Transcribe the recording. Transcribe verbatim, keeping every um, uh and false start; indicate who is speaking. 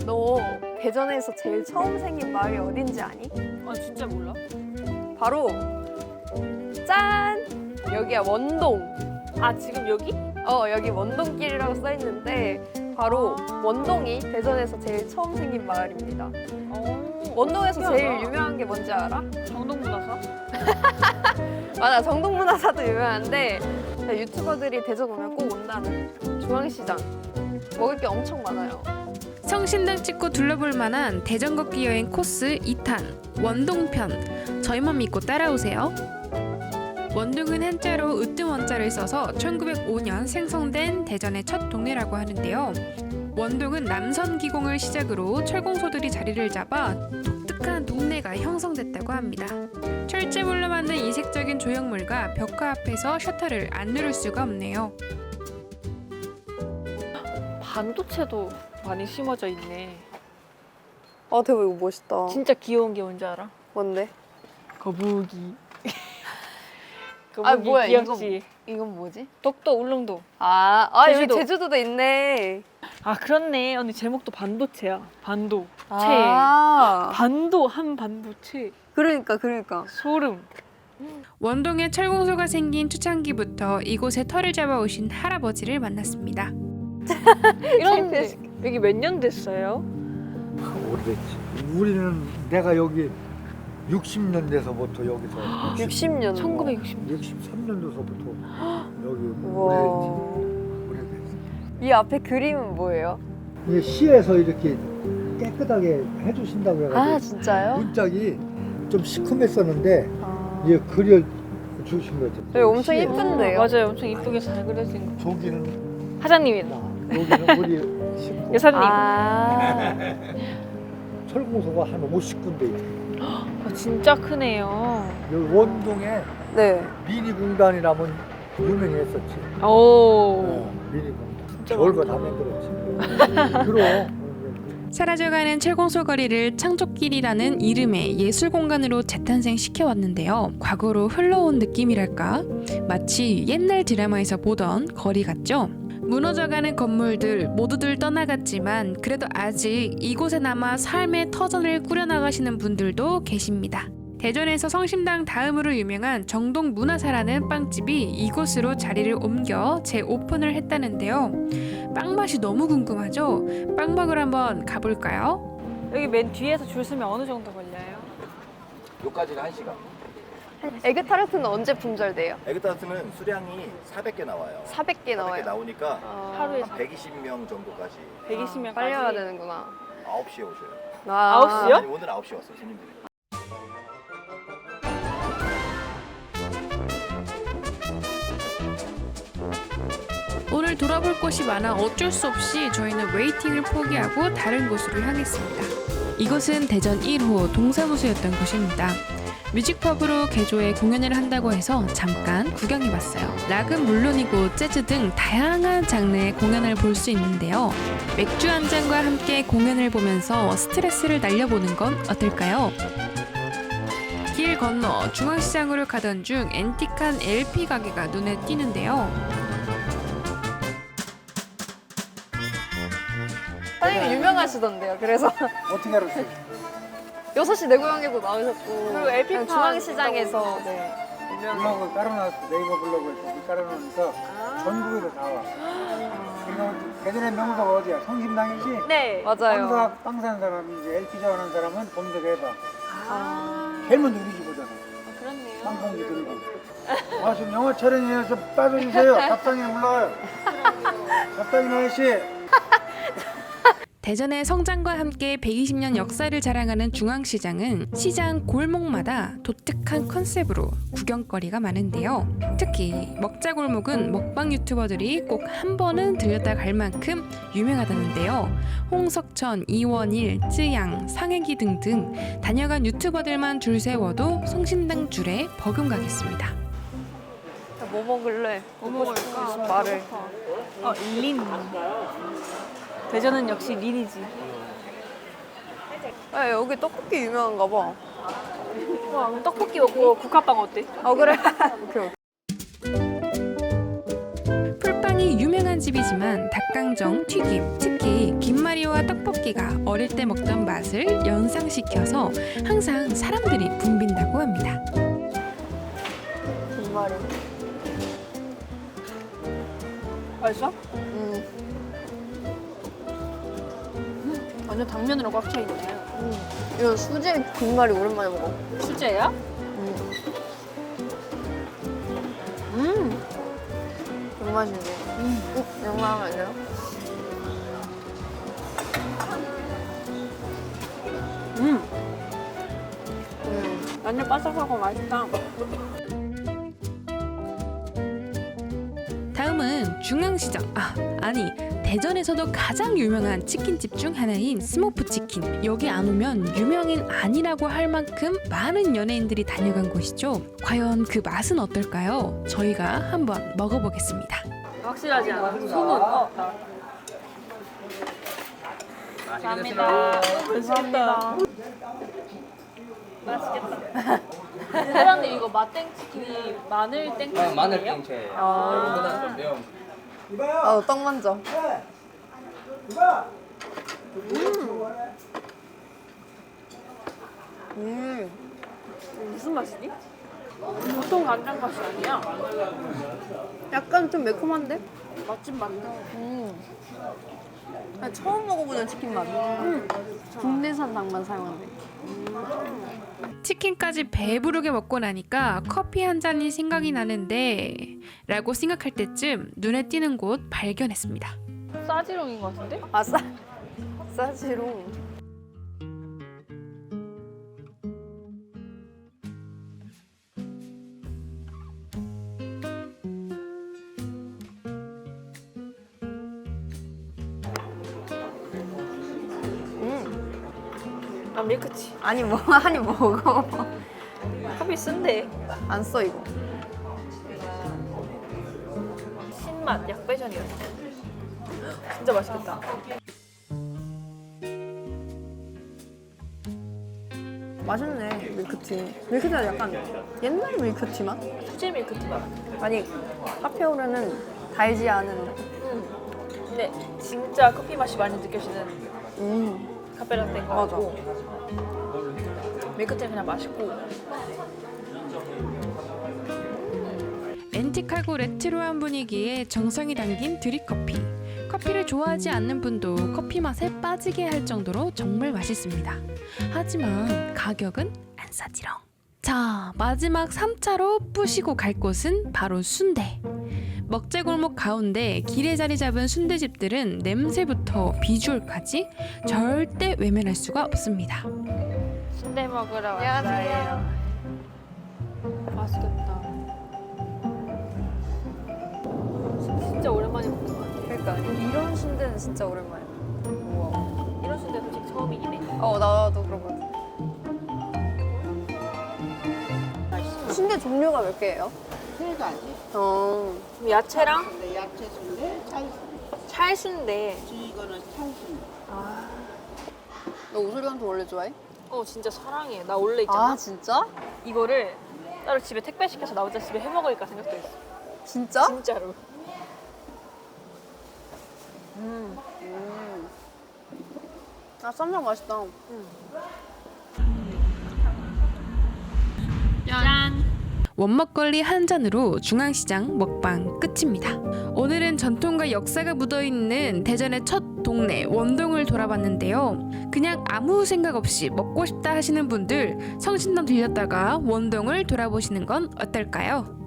Speaker 1: 너 대전에서 제일 처음 생긴 마을이 어딘지 아니?
Speaker 2: 아 진짜 몰라?
Speaker 1: 바로 짠! 여기야 원동.
Speaker 2: 아 지금 여기?
Speaker 1: 어 여기 원동길이라고 써 있는데 바로 원동이 대전에서 제일 처음 생긴 마을입니다.
Speaker 2: 어.
Speaker 1: 원동에서
Speaker 2: 신기하다.
Speaker 1: 제일 유명한 게 뭔지 알아?
Speaker 2: 정동문화사?
Speaker 1: 맞아, 정동문화사도 유명한데 유튜버들이 대전 오면 꼭 온다는 중앙시장. 먹을 게 엄청 많아요.
Speaker 3: 성심당 찍고 둘러볼 만한 대전 걷기 여행 코스 이 탄 원동편. 저희만 믿고 따라오세요. 원동은 한자로 으뜸 원자를 써서 천구백오 년 생성된 대전의 첫 동네라고 하는데요. 원동은 남선기공을 시작으로 철공소들이 자리를 잡아 독특한 동네가 형성됐다고 합니다. 철제물로 만든 이색적인 조형물과 벽화 앞에서 셔터를 안 누를 수가 없네요.
Speaker 2: 반도체도 많이 심어져 있네.
Speaker 1: 아 대박, 이거 멋있다.
Speaker 2: 진짜 귀여운 게 뭔지 알아?
Speaker 1: 뭔데?
Speaker 2: 거북이. 거북이
Speaker 1: 아, 뭐야,
Speaker 2: 귀엽지?
Speaker 1: 이건 뭐지?
Speaker 2: 독도 울릉도.
Speaker 1: 아, 아
Speaker 2: 제주도.
Speaker 1: 여기 제주도도 있네.
Speaker 2: 아 그렇네. 언니 제목도 반도체야. 반도. 체.
Speaker 1: 아,
Speaker 2: 반도 한 반도체.
Speaker 1: 그러니까 그러니까.
Speaker 2: 소름.
Speaker 3: 원동에 철공소가 생긴 초창기부터 이곳에 터를 잡아오신 할아버지를 만났습니다.
Speaker 2: 이런데 여기 몇 년 됐어요?
Speaker 4: 오래됐지. 우리는 내가 여기 육십 년 돼서부터 여기서
Speaker 1: 육십 년.
Speaker 2: 천구백육십 년.
Speaker 4: 육십삼 년도서부터 여기
Speaker 1: 우와.
Speaker 4: 오래됐지. 오래됐지.
Speaker 1: 이 앞에 그림은 뭐예요?
Speaker 4: 이 시에서 이렇게 깨끗하게 해주신다고
Speaker 1: 아
Speaker 4: 해가지고
Speaker 1: 진짜요?
Speaker 4: 문짝이 좀 시커맸었는데
Speaker 1: 아.
Speaker 4: 이제 그려 주신 거죠.
Speaker 1: 여기 엄청
Speaker 4: 시에.
Speaker 1: 예쁜데요?
Speaker 2: 맞아요. 엄청 이쁘게 잘 그려진 거.
Speaker 4: 저기는
Speaker 2: 사장님이다.
Speaker 4: 나, 여기는 우리 식구.
Speaker 2: 여사님.
Speaker 1: 아.
Speaker 4: 철공소가 한 오십 군데 있어요.
Speaker 2: 아, 진짜 크네요.
Speaker 4: 여기 원동에
Speaker 1: 네.
Speaker 4: 미니 공단이라면 유명했었지.
Speaker 2: 오.
Speaker 4: 어, 미니 공단.
Speaker 2: 진짜
Speaker 4: 별거
Speaker 2: 많다.
Speaker 4: 다 만들었지. 그럼.
Speaker 3: 사라져가는 철공소 거리를 창조길이라는 이름의 예술 공간으로 재탄생시켜왔는데요. 과거로 흘러온 느낌이랄까? 마치 옛날 드라마에서 보던 거리 같죠? 무너져가는 건물들 모두들 떠나갔지만 그래도 아직 이곳에 남아 삶의 터전을 꾸려나가시는 분들도 계십니다. 대전에서 성심당 다음으로 유명한 정동문화사라는 빵집이 이곳으로 자리를 옮겨 재오픈을 했다는데요. 빵 맛이 너무 궁금하죠? 빵 먹으러 한번 가볼까요?
Speaker 2: 여기 맨 뒤에서 줄 서면 어느 정도 걸려요?
Speaker 5: 요까지는 한 시간.
Speaker 1: 에그타르트는 언제 품절돼요?
Speaker 5: 에그타르트는 수량이 사백 개 나와요.
Speaker 1: 사백 개
Speaker 5: 사백 개
Speaker 1: 나와요.
Speaker 5: 나오니까
Speaker 1: 아.
Speaker 2: 하루에
Speaker 5: 한 백이십 명 정도까지
Speaker 2: 백이십 명까지.
Speaker 1: 빨리 와야 되는구나.
Speaker 5: 아홉 시에 오셔요.
Speaker 1: 아.
Speaker 2: 아홉 시요?
Speaker 5: 아니, 오늘 아홉 시에 왔어요, 손님들이.
Speaker 3: 오늘 돌아볼 곳이 많아 어쩔 수 없이 저희는 웨이팅을 포기하고 다른 곳으로 향했습니다. 이곳은 대전 일 호 동사무소였던 곳입니다. 뮤직펍으로 개조해 공연을 한다고 해서 잠깐 구경해봤어요. 락은 물론이고 재즈 등 다양한 장르의 공연을 볼 수 있는데요. 맥주 한 잔과 함께 공연을 보면서 스트레스를 날려보는 건 어떨까요? 길 건너 중앙시장으로 가던 중 앤틱한 엘피 가게가 눈에 띄는데요.
Speaker 1: 사장님 유명하시던데요. 그래서
Speaker 4: 어떻게 알았어요?
Speaker 1: 여섯 시 내 고향에도 나오셨고
Speaker 2: 그리고 엘피
Speaker 1: 그냥 중앙시장에서 네. 유명한.
Speaker 4: 블로그 깔아놨어. 네이버 블로그에서 깔아놓으니까
Speaker 2: 아.
Speaker 4: 전국에서 다 와. 그러니까 대전의 명소가 어디야? 성심당이지?
Speaker 2: 네.
Speaker 1: 맞아요.
Speaker 4: 빵사, 빵 사는 사람이 이제 엘피 자원하는 사람은 검색해봐.
Speaker 2: 아.
Speaker 4: 제일 먼저 우리 집 오잖아.
Speaker 2: 아, 그렇네요.
Speaker 4: 빵봉지 들고. 아, 지금 영어 촬영이에요. 좀 빠져주세요. 답장이 올라와요. 답장이 아저씨.
Speaker 3: 대전의 성장과 함께 백이십 년 역사를 자랑하는 중앙시장은 시장 골목마다 독특한 컨셉으로 구경거리가 많은데요. 특히 먹자골목은 먹방 유튜버들이 꼭 한 번은 들렸다 갈 만큼 유명하다는데요. 홍석천, 이원일, 쯔양, 상혜기 등등 다녀간 유튜버들만 줄 세워도 성심당 줄에 버금가겠습니다.
Speaker 1: 뭐 먹을래?
Speaker 2: 뭐 먹을까?
Speaker 1: 말을.
Speaker 2: 어, 린. 대전은 역시 린이지.
Speaker 1: 아, 여기 떡볶이 유명한가 봐.
Speaker 2: 와, 그럼 떡볶이 먹고 국화빵 어때?
Speaker 1: 어 그래. 오케이.
Speaker 3: 풀빵이 굉장히 유명한 집이지만 닭강정, 튀김, 특히 김말이와 떡볶이가 어릴 때 먹던 맛을 연상시켜서 항상 사람들이 붐빈다고 합니다.
Speaker 1: 김말이.
Speaker 2: 맛있어?
Speaker 1: 음.
Speaker 2: 완전 당면으로 꽉 차 있네.
Speaker 1: 음. 이거 수제 김말이 오랜만에 먹어.
Speaker 2: 수제야?
Speaker 1: 음. 음. 정맛이네. 음. 어? 이런 거 하면 안 돼요?
Speaker 2: 음.
Speaker 1: 음.
Speaker 2: 완전 바삭하고 맛있다.
Speaker 3: 다음은 중앙시장, 아 아니 대전에서도 가장 유명한 치킨집 중 하나인 스모프 치킨. 여기 안 오면 유명인 아니라고 할 만큼 많은 연예인들이 다녀간 곳이죠. 과연 그 맛은 어떨까요? 저희가 한번 먹어보겠습니다.
Speaker 2: 확실하지 않아. 소문. 어. 감사합니다. 맛있겠다. 맛있겠다. 사장님 이거 맛땡치킨이 마늘 땡치킨이에요?
Speaker 6: 어, 마늘 땡채.
Speaker 2: 아.
Speaker 6: 이거보다 좀 매운.
Speaker 1: 어, 떡 먼저. 음.
Speaker 2: 무슨 맛이지? 보통 간장 맛이 아니야.
Speaker 1: 약간 좀 매콤한데?
Speaker 2: 맛집 맞나?
Speaker 1: 음. 아, 처음 먹어보는 치킨 맛. 음. 국내산 닭만 사용한대.
Speaker 3: 치킨까지 배부르게 먹고 나니까 커피 한 잔이 생각이 나는데 라고 생각할 때쯤 눈에 띄는 곳 발견했습니다.
Speaker 2: 싸지롱인 것 같은데?
Speaker 1: 아싸. 싸지롱.
Speaker 2: 아 밀크티.
Speaker 1: 아니 뭐 아니 먹어.
Speaker 2: 커피 쓴데.
Speaker 1: 안 써 이거.
Speaker 2: 신맛 약배전이야. 진짜 맛있겠다.
Speaker 1: 맛있네 밀크티. 밀크티가 약간 옛날 밀크티 맛?
Speaker 2: 수제 밀크티 맛.
Speaker 1: 아니 카페오레는 달지 않은.
Speaker 2: 음. 근데 진짜 커피 맛이 많이 느껴지는
Speaker 1: 음.
Speaker 2: 카페라떼인 거
Speaker 1: 맞아.
Speaker 2: 같고 밀크티는 그냥 맛있고.
Speaker 3: 앤틱하고 레트로한 분위기에 정성이 담긴 드립커피. 커피를 좋아하지 않는 분도 커피 맛에 빠지게 할 정도로 정말 맛있습니다. 하지만 가격은 안 싸지롱. 자, 마지막 삼 차로 뿌시고 갈 곳은 바로 순대. 먹재골목 가운데 길에 자리 잡은 순대집들은 냄새부터 비주얼까지 절대 외면할 수가 없습니다.
Speaker 2: 순대 먹으러 왔어요.
Speaker 1: 안녕하세요.
Speaker 2: 맛있겠다. 진짜 오랜만에 먹는 것 같아.
Speaker 1: 그러니까 이런 순대는 진짜 오랜만이야. 우와.
Speaker 2: 이런 순대 솔직히 처음이긴 해.
Speaker 1: 어 나도 그러거든. 순대 종류가 몇 개예요?
Speaker 7: 세 가지.
Speaker 1: 어.
Speaker 2: 그럼 야채랑
Speaker 7: 근데 야채 순대, 찰순대.
Speaker 2: 찰순대.
Speaker 7: 이거는 찰순대.
Speaker 1: 너 오소리한테 원래 좋아해?
Speaker 2: 어 진짜 사랑해. 나 원래 있잖아.
Speaker 1: 아 진짜?
Speaker 2: 이거를 따로 집에 택배 시켜서 나 혼자 집에 해 먹을까 생각도 했어.
Speaker 1: 진짜?
Speaker 2: 진짜로.
Speaker 1: 음. 아 쌈장 맛있다.
Speaker 2: 짠.
Speaker 3: 원먹거리 한 잔으로 중앙시장 먹방 끝입니다. 오늘은 전통과 역사가 묻어있는 대전의 첫 동네 원동을 돌아봤는데요. 그냥 아무 생각 없이 먹고 싶다 하시는 분들 성신당 들렸다가 원동을 돌아보시는 건 어떨까요?